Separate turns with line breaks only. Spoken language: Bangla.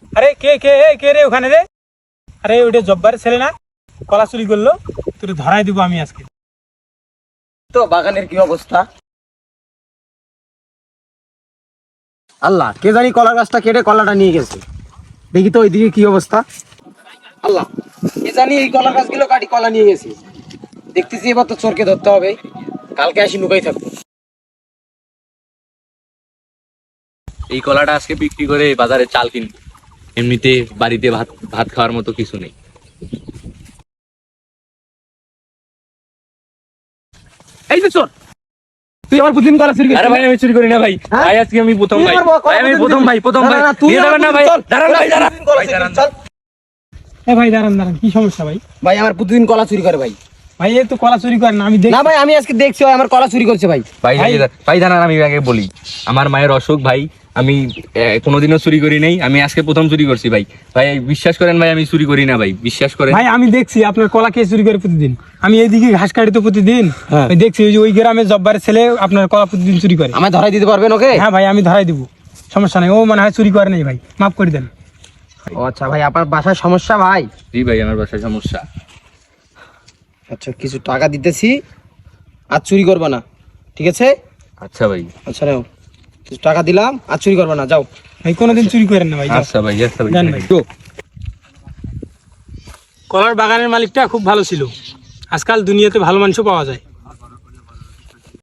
আরে কে কে কে রে ওখানে রে? আরে ওটা জব্বারের ছেলে না, কলা চুরি করলো, তোর ধরাই দিব আমি আজকে।
তো বাগানের কি অবস্থা? আল্লাহ, কে জানি কলা গাছটা কেটে কলাটা নিয়ে গেছে। দেখি তো ওইদিকে কি অবস্থা। আল্লাহ, কে জানি এই কলা গাছগুলো কাটি কলা নিয়ে গেছে। দেখতেছি এবার তো চোরকে ধরতে হবে, কালকে আসি লুকাই থাকবো।
এই কলাটা আজকে বিক্রি করে বাজারে চাল কিনবো। এমনিতে বাড়িতে ভাত ভাত খাওয়ার মতো কিছু নেই।
এই যে চোর, তুই আমার প্রতিদিন কলা চুরি
আরে ভাই আমি চুরি করি না ভাই,
হ্যাঁ?
ভাই আজকে আমি প্রথম
তুই
ভাই,
আমার
ভাই আমি প্রথম ভাই, প্রথম ভাই। নিয়ে যাবেন না ভাই, দাঁড়ান ভাই, দাঁড়ান। ভাই দাঁড়ান।
ভাই দাঁড়ান দাঁড়ান, কি সমস্যা ভাই?
ভাই আমার প্রতিদিন কলা চুরি করে ভাই।
ভাই এ তো কলা চুরি করে না, আমি দেখি।
না ভাই, আমি আজকে দেখছি ও আমার কলা চুরি করছে ভাই।
ভাই ভাই দাঁড়ান, আমি আগে বলি। আমার মায়ের অসুখ ভাই, আমি কোনোদিনও চুরি করি নাই, আমি আজকে প্রথম চুরি করছি ভাই। ভাই বিশ্বাস করেন ভাই, আমি চুরি করি না ভাই, বিশ্বাস করেন।
ভাই আমি দেখছি আপনার কলা কে চুরি করে প্রতিদিন। আমি এইদিকে ঘাস কাটি তো প্রতিদিন,
হ্যাঁ।
ওই দেখছি ওই যে ওই গ্রামের জব্বারের ছেলে আপনার কলা প্রতিদিন চুরি করে।
আমায় ধরাই দিতে পারবেন ওকে?
হ্যাঁ ভাই আমি ধরাই দিব, সমস্যা নাই। ও মনে হয় চুরি করে নাই ভাই, মাফ করে দেন।
ও আচ্ছা ভাই, আপনার বাসায় সমস্যা ভাই?
জি ভাই, আমার বাসায় সমস্যা।
আচ্ছা, কিছু টাকা দিতেছি, আর চুরি করবে না, ঠিক আছে?
আচ্ছা ভাই।
আচ্ছা নাও, কিছু টাকা দিলাম, আর চুরি করবে না, যাও।
ভাই কোনোদিন চুরি করেন না ভাই, যাও।
আচ্ছা ভাই, আচ্ছা ভাই,
যান ভাই। কলার বাগানের মালিকটা খুব ভালো ছিল, আজকাল দুনিয়াতে ভালো মানুষও পাওয়া যায়।